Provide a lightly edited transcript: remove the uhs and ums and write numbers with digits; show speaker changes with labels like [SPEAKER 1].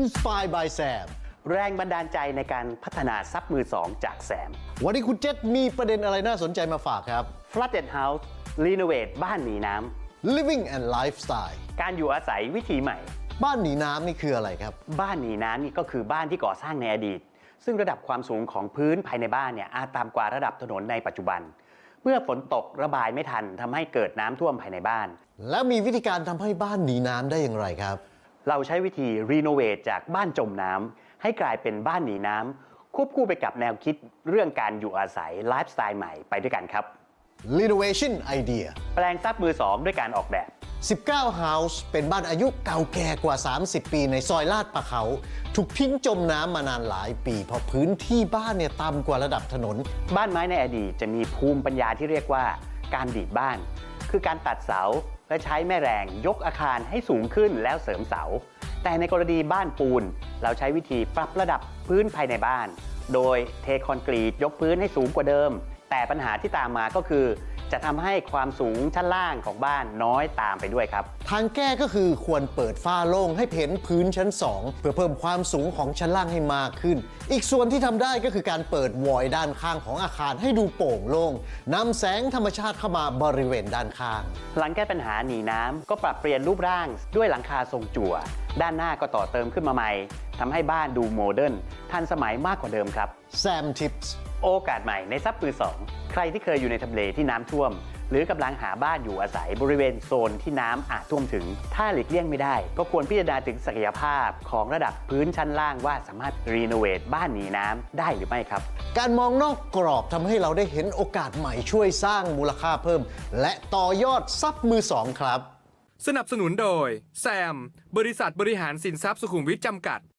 [SPEAKER 1] Inspired by Sam
[SPEAKER 2] แรงบันดาลใจในการพัฒนาทรัพย์มือสองจากแซม
[SPEAKER 1] วันนี้คุณเจษมีประเด็นอะไรน่าสนใจมาฝากครับ
[SPEAKER 2] Flooded House Renovate บ้านหนีน้
[SPEAKER 1] Living and Lifestyle
[SPEAKER 2] ำการอยู่อาศัยวิถีใหม่
[SPEAKER 1] บ้านหนีน้ำนี่คืออะไรครับ
[SPEAKER 2] บ้านหนีน้ำนี่ก็คือบ้านที่ก่อสร้างในอดีต ซึ่งระดับความสูงของพื้นภายในบ้านเนี่ยอาจต่ำกว่าระดับถนนในปัจจุบัน เมื่อฝนตกระบายไม่ทันทำให้เกิดน้ำท่วมภายในบ้าน
[SPEAKER 1] แล้วมีวิธีการทำให้บ้านหนีน้ำได้อย่างไรครับ
[SPEAKER 2] เราใช้วิธีรีโนเวทจากบ้านจมน้ำให้กลายเป็นบ้านหนีน้ำควบคู่ไปกับแนวคิดเรื่องการอยู่อาศัยไลฟ์สไตล์ใหม่ไปด้วยกันครับ
[SPEAKER 1] Renovation Idea
[SPEAKER 2] แปลงทรัพย์มือสองด้วยการออกแบบ
[SPEAKER 1] 19 House เป็นบ้านอายุเก่าแก่กว่า 30 ปีในซอยลาดปะเขาถูกทิ้งจมน้ำมานานหลายปีเพราะพื้นที่บ้านเนี่ยต่ำกว่าระดับถนน
[SPEAKER 2] บ้านไม้ในอดีตจะมีภูมิปัญญาที่เรียกว่าการดีดบ้าน คือการตัดเสาและใช้แม่แรงยกอาคารให้สูงขึ้นแล้วเสริมเสา แต่ในกรณีบ้านปูนเราใช้วิธีปรับระดับพื้นภายในบ้าน โดยเทคอนกรีตยกพื้นให้สูงกว่าเดิม แต่ปัญหาที่ตามมาก็คือจะทำให้ความสูงชั้นล่างของบ้านน้อยตามไปด้วยครับ
[SPEAKER 1] ทางแก้ก็คือควรเปิดฝ้าโล่งให้เห็นพื้นชั้น 2 เพื่อเพิ่มความสูงของชั้นล่างให้มากขึ้น อีกส่วนที่ทำได้ก็คือการเปิดวอยด้านข้างของอาคารให้ดูโปร่งโล่งนำแสงธรรมชาติเข้ามาบริเวณด้านข้าง
[SPEAKER 2] หลังแก้ปัญหาหนีน้ำก็ปรับเปลี่ยนรูปร่างด้วยหลังคาทรงจั่วด้านหน้าก็ต่อเติมขึ้นมาใหม่ทำให้บ้านดูโมเดิร์นทันสมัยมากกว่าเดิมครับ
[SPEAKER 1] Sam Tips
[SPEAKER 2] โอกาสใหม่ในทรัพย์มือสองใครที่เคยอยู่ในทำเลที่น้ำท่วม หรือกำลังหาบ้านอยู่อาศัยบริเวณโซนที่น้ำอาจท่วมถึง ถ้าหลีกเลี่ยงไม่ได้ ก็ควรพิจารณาถึงศักยภาพของระดับพื้นชั้นล่างว่าสามารถรีโนเวทบ้านหนีน้ำได้หรือไม่ครับ
[SPEAKER 1] การมองนอกกรอบทำให้เราได้เห็นโอกาสใหม่ช่วยสร้างมูลค่าเพิ่ม และต่อยอดทรัพย์มือสองครับ
[SPEAKER 3] สนับสนุนโดยแซมบริษัทบริหารสินทรัพย์สุขุมวิทจำกัด